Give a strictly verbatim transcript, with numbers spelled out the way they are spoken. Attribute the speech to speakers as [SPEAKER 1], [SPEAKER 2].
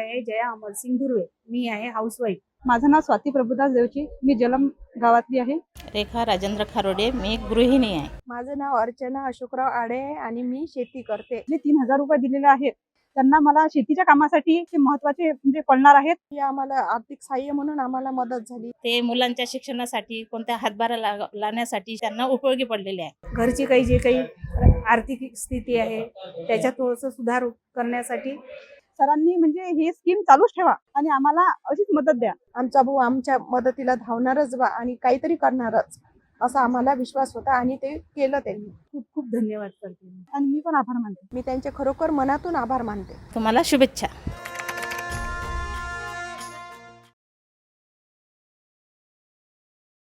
[SPEAKER 1] आहे जया अमरसिंग धुर्वे. मी आहे हाऊसवाईफ.
[SPEAKER 2] माझं नाव स्वाती प्रभुदास देवची. मी जलम गावातली आहे.
[SPEAKER 3] रेखा राजेंद्र खारोडे. मी एक गृहिणी आहे.
[SPEAKER 4] माझं नाव अर्चना अशोकराव आडे आहे आणि मी शेती करते.
[SPEAKER 2] जे तीन हजार रुपये दिलेले आहेत त्यांना मला शेतीच्या कामासाठी ते महत्वाचे म्हणजे पडणार आहेत.
[SPEAKER 4] ही आम्हाला आर्थिक सहाय्य म्हणून आम्हाला मदत झाली.
[SPEAKER 3] ते मुलांच्या शिक्षणासाठी कोणत्या हातभार ला- लावण्यासाठी त्यांना उपयोगी पडलेले आहे.
[SPEAKER 1] घरची काही जे काही आर्थिक स्थिती आहे त्याच्यात थोडंसं सुधार करण्यासाठी
[SPEAKER 2] सरांनी म्हणजे ही स्कीम चालूच ठेवा आणि आम्हाला अशीच मदत द्या.
[SPEAKER 4] आमचा भाऊ आमच्या मदतीला धावणारच बा आणि काहीतरी करणारच असा आम्हाला विश्वास होता आणि ते केलं त्यांनी.
[SPEAKER 1] खूप खूप धन्यवाद करते.
[SPEAKER 2] आणि मी पण आभार मानते.
[SPEAKER 4] मी त्यांचे खरोखर मनातून आभार मानते.
[SPEAKER 3] तुम्हाला शुभेच्छा.